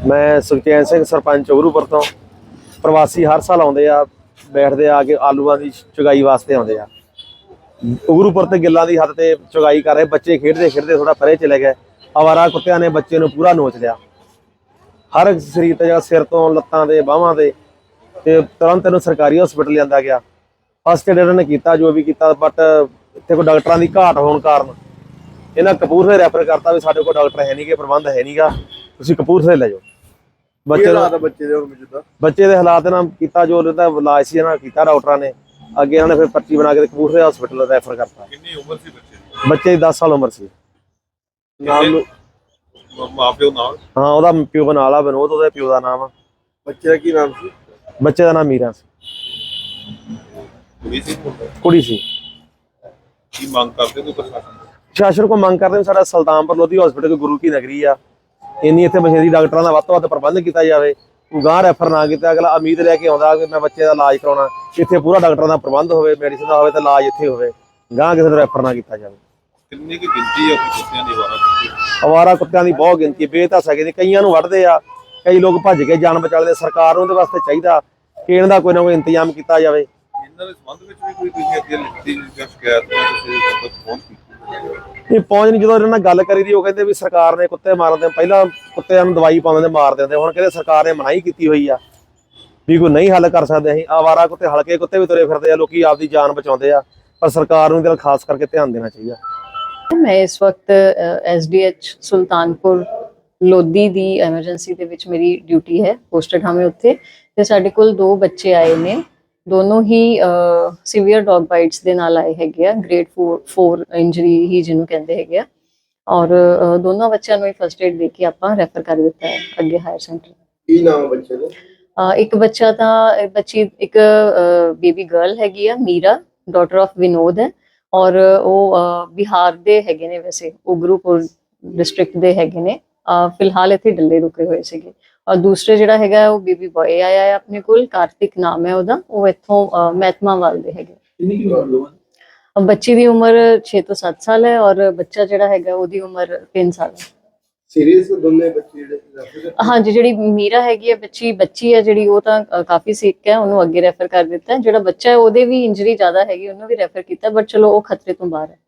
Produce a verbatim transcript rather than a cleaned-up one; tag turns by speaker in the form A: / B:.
A: मैं सुखचैन सिंह सरपंच उगरूपुर तो प्रवासी हर साल आते आ बैठते आ के आलूआं की चुगाई वास्ते आते आ। उगरूपुर ते गिल्लां दी हद ते चुगाई कर रहे बच्चे खेडते खेडते थोड़ा परे चले गए। आवारा कुत्तियां ने बच्चे नूं पूरा नोच लिया, हर एक शरीर ते सिर तो लत्तां ते बाहां ते ते तुरंत इहनूं सरकारी हॉस्पिटल लिआंदा गया। फस्ट एड इन्होंने किया जो भी किया, बट इत्थे कोई डॉक्टरां दी घाट होने कारण इन्हां कपूरथले रैफर करता भी साडे कोल डॉक्टर है नहीं गे, प्रबंध है नहीं गा, तुसीं कपूरथले ले जाओ। बच्चे बच्चे के हालात इन्हां कीता जो इलाज सी इन्हां कीता डॉक्टरां ने, अगे इन्होंने फिर पर्ची बना के कपूरथले हॉस्पिटल रैफर करता।
B: कितनी उम्र सी बच्चे दी?
A: बच्चे की दस साल उम्र सी।
B: मां-प्यो नाल?
A: हाँ, ਉਹਦਾ ਪਿਓ ਨਾਲ ਆ ਵਿਨੋਦ, ਉਹਦੇ ਪਿਓ ਦਾ ਨਾਮ ਆ।
B: ਬੱਚੇ ਦਾ ਕੀ ਨਾਮ ਸੀ?
A: ਬੱਚੇ ਦਾ ਨਾਮ ਮੀਰਾ ਸੀ।
B: ਕੁੜੀ ਸੀ?
A: ਕੁੜੀ ਸੀ।
B: ਕੀ ਮੰਗ ਕਰਦੇ ਕੋਈ ਪ੍ਰਸ਼ਾਸਨ?
A: ਪ੍ਰਸ਼ਾਸਨ ਕੋ ਮੰਗ ਕਰਦੇ ਸਾਡਾ ਸੁਲਤਾਨਪੁਰ ਲੋਧੀ ਹਸਪੀਟਲ ਕੋਈ ਗੁਰੂ ਕੀ ਨਗਰੀ ਆ, ਇੰਨੀ ਇੱਥੇ ਮਸ਼ੀਨਰੀ ਡਾਕਟਰਾਂ ਦਾ ਵੱਧ ਤੋਂ ਵੱਧ ਪ੍ਰਬੰਧ ਕੀਤਾ ਜਾਵੇ। ਗਾਂ ਰੈਫਰ ਨਾ ਕੀਤਾ, ਅਗਲਾ ਉਮੀਦ ਲੈ ਕੇ ਆਉਂਦਾ ਕਿ ਮੈਂ ਬੱਚੇ ਦਾ ਇਲਾਜ ਕਰਾਉਣਾ, ਇੱਥੇ ਪੂਰਾ ਡਾਕਟਰਾਂ ਦਾ ਪ੍ਰਬੰਧ ਹੋਵੇ, ਮੈਡੀਸਨ ਦਾ ਹੋਵੇ ਤੇ ਇਲਾਜ ਇੱਥੇ ਹੋਵੇ, ਗਾਂ ਕਿਸੇ ਨੂੰ ਰੈਫਰ ਨਾ ਕੀਤਾ ਜਾਵੇ।
B: ਕਿੰਨੀ ਕੀ ਗਿਣਤੀ ਹੈ ਕੁੱਤਿਆਂ ਦੀ ਆਵਾਰਾ ਕੁੱਤੇ?
A: ਆਵਾਰਾ ਕੁੱਤਿਆਂ ਦੀ ਬਹੁਤ ਗਿਣਤੀ, ਬੇਧਾਸਾ ਦੀ, ਕਈਆਂ ਨੂੰ ਵੱਢਦੇ ਆ, ਕਈ ਲੋਕ ਭੱਜ ਕੇ ਜਾਨ ਬਚਾ ਲੈਂਦੇ। ਸਰਕਾਰ ਨੂੰ ਇਹਦੇ ਵਾਸਤੇ ਚਾਹੀਦਾ ਕਿ ਇਹਨਾਂ ਦਾ ਕੋਈ ਨਾ ਕੋਈ ਇੰਤਜ਼ਾਮ ਕੀਤਾ ਜਾਵੇ।
B: ਇਹਨਾਂ ਦੇ ਸੰਬੰਧ ਵਿੱਚ ਵੀ ਕੋਈ ਤੁਸੀਂ ਅੱਗੇ ਲਿਖਤੀ ਜਾਂ ਸ਼ਿਕਾਇਤ ਕਿਸੇ ਤੱਕ ਪਹੁੰਚ ਕੀਤੀ?
A: ਨਹੀਂ ਪਹੁੰਚ ਨਹੀਂ। ਜਦੋਂ ਇਹਨਾਂ ਨਾਲ ਗੱਲ ਕਰੀ ਦੀ ਉਹ ਕਹਿੰਦੇ ਵੀ ਸਰਕਾਰ ਨੇ ਕੁੱਤੇ ਮਾਰਦੇ, ਪਹਿਲਾਂ ਕੁੱਤਿਆਂ ਨੂੰ ਦਵਾਈ ਪਾਉਂਦੇ ਤੇ ਮਾਰ ਦਿੰਦੇ, ਹੁਣ ਕਹਿੰਦੇ ਸਰਕਾਰ ਨੇ ਮਨਾਹੀ ਕੀਤੀ ਹੋਈ ਆ ਵੀ ਕੋਈ ਨਹੀਂ ਹੱਲ ਕਰ ਸਕਦੇ। ਅਸੀਂ ਆਵਾਰਾ ਕੁੱਤੇ, ਹਲਕੇ ਕੁੱਤੇ ਵੀ ਤੁਰੇ ਫਿਰਦੇ ਆ, ਲੋਕੀ ਆਪਦੀ ਜਾਨ ਬਚਾਉਂਦੇ ਆ, ਪਰ ਸਰਕਾਰ ਨੂੰ ਇਹਦੇ ਨਾਲ ਖਾਸ ਕਰਕੇ ਧਿਆਨ ਦੇਣਾ ਚਾਹੀਦਾ।
C: मैं इस वक्त S D H Sultanpur Lodhi दी एमरजेंसी दे विच मेरी ड्यूटी है, पोस्टेड हमें उत्थे ते साडे कोल दो बच्चे आए ने, दोनों ही सीवियर डॉग बाइट्स दे नाल आए हैगे आ, ग्रेड फोर फोर इंजरी ही जिन्हों कहंदे हैगे आ, और दोनों बच्चों नूं फस्ट एड दे के आपां रैफर कर दिता है अगे हायर सेंटर।
B: ਕੀ ਨਾਮ ਬੱਚੇ ਦਾ?
C: एक बच्चा तां बच्ची एक बेबी गर्ल हैगी आ मीरा, डॉटर ऑफ विनोद है, और वो बिहार दे हैगे ने, वैसे उगरूपुर डिस्ट्रिक्ट दे हैगे ने, फिलहाल इत्थे डल्ले रुके हुए सीगे। और दूसरे जिहड़ा हैगा वो बेबी बॉय आया है अपने कोल, कार्तिक नाम है ओहदा, वो इत्थों महतमावाल दे हैगे।
B: ਕਿੰਨੀ ਕੀ ਉਮਰ?
C: बच्ची दी उम्र छे तो सत्त साल है और बच्चा जिहड़ा हैगा ओहदी उम्र तीन साल है।
B: सीरियस दोनों बच्चे ਜਿਹੜੇ?
C: हाँ जी, जिहड़ी मीरा हैगी है बच्ची बच्ची है जिहड़ी वो तां काफी सिक है, ਉਹਨੂੰ ਅੱਗੇ ਰੈਫਰ ਕਰ ਦਿੱਤਾ। ਜਿਹੜਾ ਬੱਚਾ ਹੈ ਉਹਦੇ ਵੀ ਇੰਜਰੀ ਜ਼ਿਆਦਾ ਹੈਗੀ, ਉਹਨੂੰ ਵੀ ਰੈਫਰ ਕੀਤਾ, ਬਟ ਚਲੋ ਉਹ ਖਤਰੇ ਤੋਂ ਬਾਹਰ ਹੈ।